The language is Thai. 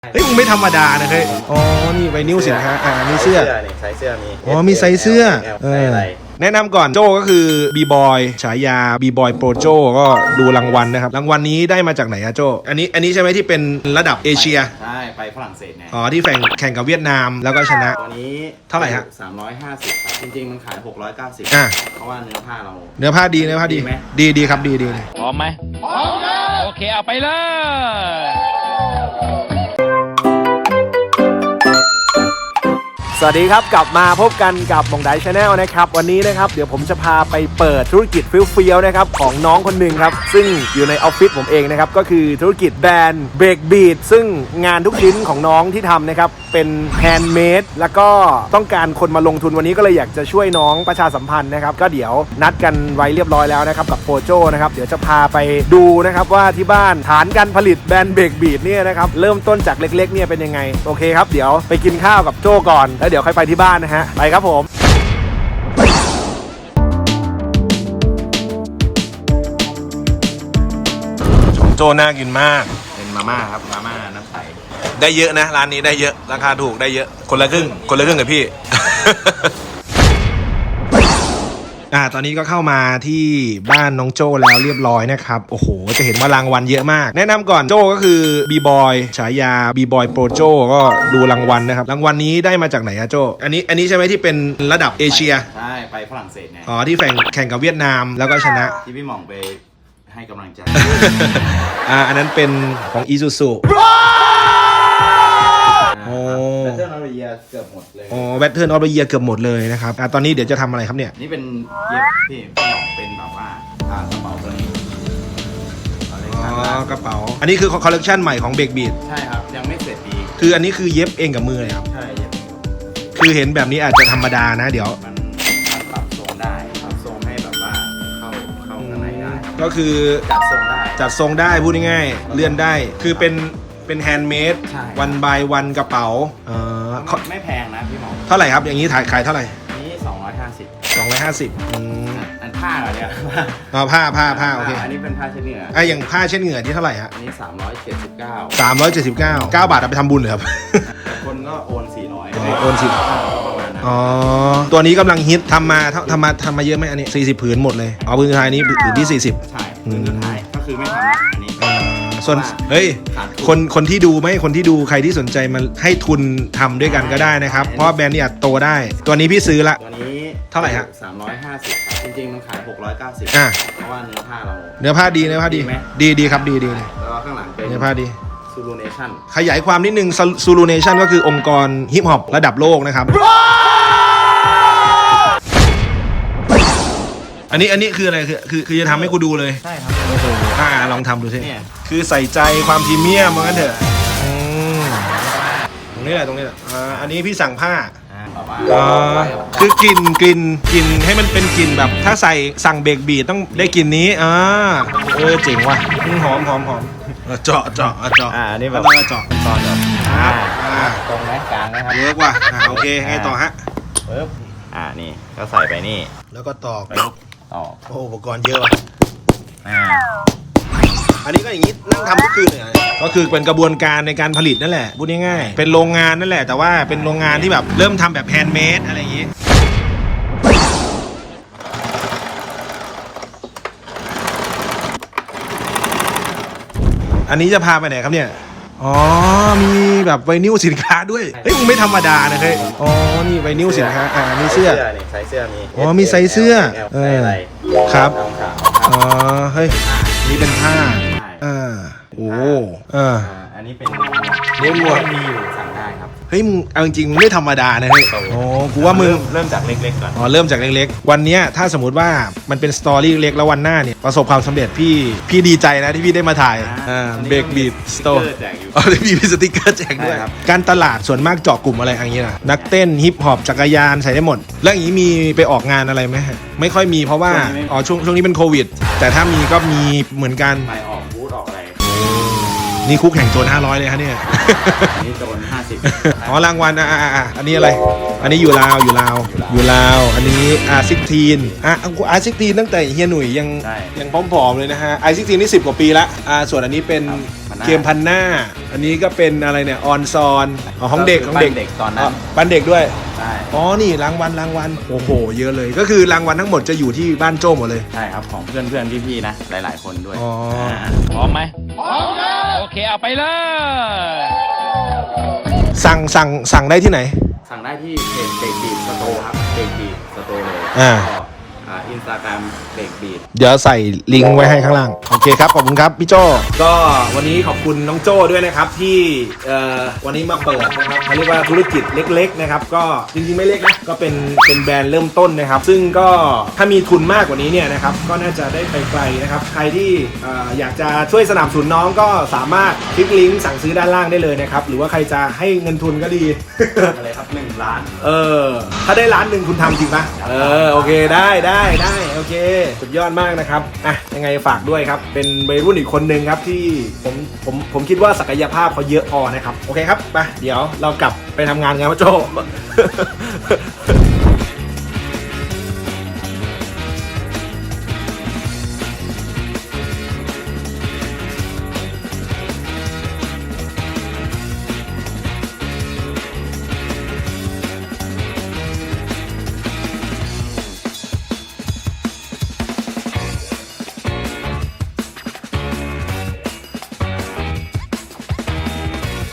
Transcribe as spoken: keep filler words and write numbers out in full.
เฮ้ยมึงไม่ธรรมดานะเฮ้ยอ๋อนี่ไวนิลสินค้าอ่ามีเสื้อนี่ไซส์เสื้อมีอ๋อมีไซส์เสื้อเออแนะนำก่อนโจก็คือบีบอยฉายาบีบอยโปรโจก็ดูรางวัลนะครับรางวัลนี้ได้มาจากไหนอะโจอันนี้อันนี้ใช่ไหมที่เป็นระดับเอเชียใช่ไปฝรั่งเศสไงอ๋อที่แข่งแข่งกับเวียดนามแล้วก็ชนะตัวนี้เท่าไหร่ฮะสามร้อยห้าสิบครับจริงๆมันขายหกร้อยเก้าสิบอ่ะเพราะว่าเนื้อผ้าเราเนื้อผ้าดีเนื้อผ้าดีดีดีครับดีดีพร้อมไหมพร้อมแล้วโอเคเอาไปเลยสวัสดีครับกลับมาพบกันกับมองไดชาแนลนะครับวันนี้นะครับเดี๋ยวผมจะพาไปเปิดธุรกิจฟิลฟิลนะครับของน้องคนหนึ่งครับซึ่งอยู่ในออฟฟิศผมเองนะครับก็คือธุรกิจแบรนด์เบรกบีทซึ่งงานทุกชิ้นของน้องที่ทำนะครับเป็นแฮนด์เมดแล้วก็ต้องการคนมาลงทุนวันนี้ก็เลยอยากจะช่วยน้องประชาสัมพันธ์นะครับก็เดี๋ยวนัดกันไว้เรียบร้อยแล้วนะครับกับโปรโจนะครับเดี๋ยวจะพาไปดูนะครับว่าที่บ้านฐานการผลิตแบรนด์เบรกบีทเนี่ยนะครับเริ่มต้นจากเล็กๆเนี่ยเป็นยังไงโอเคครับเดี๋ยวไปกินข้าวกับโจก่อนแล้วเดี๋ยวค่อยไปที่บ้านนะฮะไปครับผมโจน่ากินมากเป็นมาม่าครับมาม่าน้ำใสได้เยอะนะร้านนี้ได้เยอะราคาถูกได้เยอะคนละครึ่งคนละครึ่งกับพี่ อ่าตอนนี้ก็เข้ามาที่บ้านน้องโจแล้วเรียบร้อยนะครับโอ้โหจะเห็นว่ารางวัลเยอะมากแนะนำก่อนโจก็คือบีบอยฉายาบีบอยโปรโจก็ดูรางวัลนะครับรางวัลนี้ได้มาจากไหนอะโจอันนี้อันนี้ใช่ไหมที่เป็นระดับเอเชียใช่ไปฝรั่งเศสไงอ๋อที่แข่งแข่งกับเวียดนามแล้วก็ชนะที่พี่หม่องไปให้กำลังใจอ่าอันนั้นเป็นของอีซูซูโอ้แบตเทิลออฟเดอะเยียร์เกือบหมดเลยอ๋อแบตเทิลออฟเดอะเยียร์เกือบหมดเลยนะครับอ่าตอนนี้เดี๋ยวจะทำอะไรครับเนี่ยนี่เป็นเย็บพี่พี่หม่องเป็นแบบว่าอ่ากระเป๋าตัวนี้อ๋อกระเป๋าอันนี้คือคอลเลคชันใหม่ของเบรกบีทใช่ครับยังไม่เสร็จดีคืออันนี้คือเย็บเองกับมือเลยครับใช่เย็บคือเห็นแบบนี้อาจจะธรรมดานะเดี๋ยวมันปรับทรงได้ปรับทรงให้แบบว่าเข้าเข้าข้างในได้ก็คือจัดทรงได้จัดทรงได้พูดง่ายๆเลื่อนได้คือเป็นเป็นแฮนด์เมดวันบายวันกระเป๋าเออไม่แพงนะพี่หมอเท่าไหร่ครับอย่างนี้ถ่ายขายเท่าไหร่นี่สองร้อยห้าสิบสองร้อยห้าสิบอืมอันผ้าเหรอเนี่ยอ๋อผ้าผ้าผ้าโอเคอันนี้เป็นผ้าเช็ดเหงื่อไอ้อย่างผ้าเช็ดเหงื่อที่เท่าไหร่ฮะอันนี้สามร้อยเจ็ดสิบเก้าสามร้อยเจ็ดสิบเก้าเก้าบาทเอาไปทำบุญเลยครับคนก็โอนสี่ร้อยโอนสิอ๋อตัวนี้กำลังฮิตทำมาทำมาทำมาเยอะไหมอันนี้สี่สิบผืนหมดเลยอ๋อผืนสุดท้ายนี้ผืนที่สี่สิบใช่ผืนสุดท้ายก็คือไม่ทำอันนี้ส่วนเฮ้ยคนคนที่ดูไหมคนที่ดูใครที่สนใจมาให้ทุนทำด้วยกันก็ได้นะครับเพราะแบรนด์นี้อาจโตได้ตัวนี้พี่ซื้อละตัวนี้เท่าไหร่ฮะสามร้อยห้าสิบจริงๆมันขายหกร้อยเก้าสิบอ่ะเพราะว่าเนื้อผ้าเราเนื้อผ้าดีเนื้อผ้าดีดีดีครับดีดีแล้วข้างหลังเป็นเนื้อผ้าดีซูรูเนชั่นขยายความนิดนึงซูรูเนชั่นก็คือองค์กรฮิปฮอประดับโลกนะครับอันนี้อันนี้คืออะไรคือคือคือจะทำให้กูดูเลยใช่ครับโอ้โหอ่าลองทำดูสิคือใส่ใจความพรีเมียมเหมือนกันเถอะตรงนี้แหละตรงนี้แหละอ่าอันนี้พี่สั่งผ้าอ่าคือกลิ่นกลิ่นกลิ่นให้มันเป็นกลิ่นแบบถ้าใส่สั่งเบรกบีทต้องได้กลิ่นนี้อ่าเออเจ๋งว่ะหอมหอมหอมเจาะเจาะเจาะอ่านี่แบบต้องเจาะตอนแบบอ่าตรงไหนกลางนะครับเวิร์กว่ะอ่าโอเคไงต่อฮะปึ๊บอ่านี่ก็ใส่ไปนี่แล้วก็ตอกต่อโอ้อุปกรณ์เยอะว่ะอ่าอันนี้ก็อย่างนี้นั่งทำทุกคืนเลยก็คือเป็นกระบวนการในการผลิตนั่นแหละพูดง่ายๆเป็นโรงงานนั่นแหละแต่ว่าเป็นโรงงานที่แบบเริ่มทำแบบแฮนด์เมดอะไรอย่างนี้อันนี้จะพาไปไหนครับเนี่ยอ๋อมีแบบไวนิลสินค้าด้วยเฮ้ยมึงไม่ธรรมดานะเฮ้ยอ๋อนี่ไวนิลสินค้าอ่ามีเสื้อนี่ไซส์เสื้อมีอ๋อมีไซส์เสื้อเออครับอ๋อเฮ้ยนี่เป็นผ้าอ่าโอ้อ่าอันนี้เป็นเลี้ยงวัวมีอยู่สั่งได้ครับเฮ้ยมึงเอาจริงๆมึงไม่ธรรมดานะเฮ้ยอ๋อกูว่ามึงเริ่มจากเล็กๆก่อนอ๋อเริ่มจากเล็กๆวันนี้ถ้าสมมติว่ามันเป็นสตอรี่เล็กแล้ววันหน้าเนี่ยประสบความสำเร็จพี่พี่ดีใจนะที่พี่ได้มาถ่ายอ่าเบรกบีทสโตร์อ๋อมีสติ๊กเกอร์แจกด้วยการตลาดส่วนมากเจาะกลุ่มอะไรอย่างเงี้ยนะนักเต้นฮิปฮอปจักรยานใส่ได้หมดแล้วอย่างนี้มีไปออกงานอะไรไหมไม่ค่อยมีเพราะว่าอ๋อช่วงช่วงนี้เป็นโควิดแต่ถ้ามีก็มีเหมือนกันไปออกบูธออกอะไรนี่คุกแห่งโจรห้าร้อยเลยฮะเนี่ยนี่โจรห้าสิบอ๋อรางวัลอ่ะอ่ะอันนี้อะไรอันนี้อยู่ลาวอยู่ลาวอยู่ลาวอันนี้อาร์ซิกทีนอ่ะอาร์ซิกทีนตั้งแต่เฮียหนุ่ยยังยังผอมๆเลยนะฮะอาร์ซิกทีนนี่สิบกว่าปีละอ่าส่วนอันนี้เป็นเกมพันหน้าอันนี้ก็เป็นอะไรเนี่ยออนซอนอ๋อของเด็กของเด็กเด็กตอนนั้นบ้านเด็กด้วยใช่อ๋อนี่รางวัลรางวัลโอ้โหเยอะเลยก็คือรางวัลทั้งหมดจะอยู่ที่บ้านโจ้หมดเลยใช่ครับของเพื่อนเพื่อนๆพี่ๆนะหลายๆคนด้วยอ๋อพร้อมไหมพร้อมครับโอเคเอาไปเลยสั่งสั่งสั่งได้ที่ไหนสั่งได้ที่เพจเบรกบีทสโตร์ครับเบรกบีทสโตร์เลยอ่าก็อ่าอินสตาแกรมเบรกบีทเดี๋ยวใส่ลิงก์ไว้ให้ข้างล่างโอเคครับขอบคุณครับพี่โจก็วันนี้ขอบคุณน้องโจ้ด้วยนะครับที่เอ่อวันนี้มาเปิดนะครับเขาเรียกว่าธุรกิจเล็กๆนะครับก็จริงๆไม่เล็กนะก็เป็นเป็นแบรนด์เริ่มต้นนะครับ ซึ่งก็ถ้ามีทุนมากกว่านี้เนี่ยนะครับก็น่าจะได้ไปไกลนะครับใครที่เอ่ออยากจะช่วยสนับสนุนน้องก็สามารถคลิกลิงก์สั่งซื้อด้านล่างได้เลยนะครับหรือว่าใครจะให้เงินทุนก็ดีอะไรครับหนึ่งล้านเออถ้าได้ล้านหนึ่งคุณทำจริงปะเออโอเคได้ได้ได้โอเคสุดยอดมากนะครับอ่ะยังไงฝากด้วยครับเป็นวัยรุ่นอีกคนนึงครับที่ผมผมผมคิดว่าศักยภาพเขาเยอะพอนะครับโอเคครับไปเดี๋ยวเรากลับไปทำงานกันพ่อโจ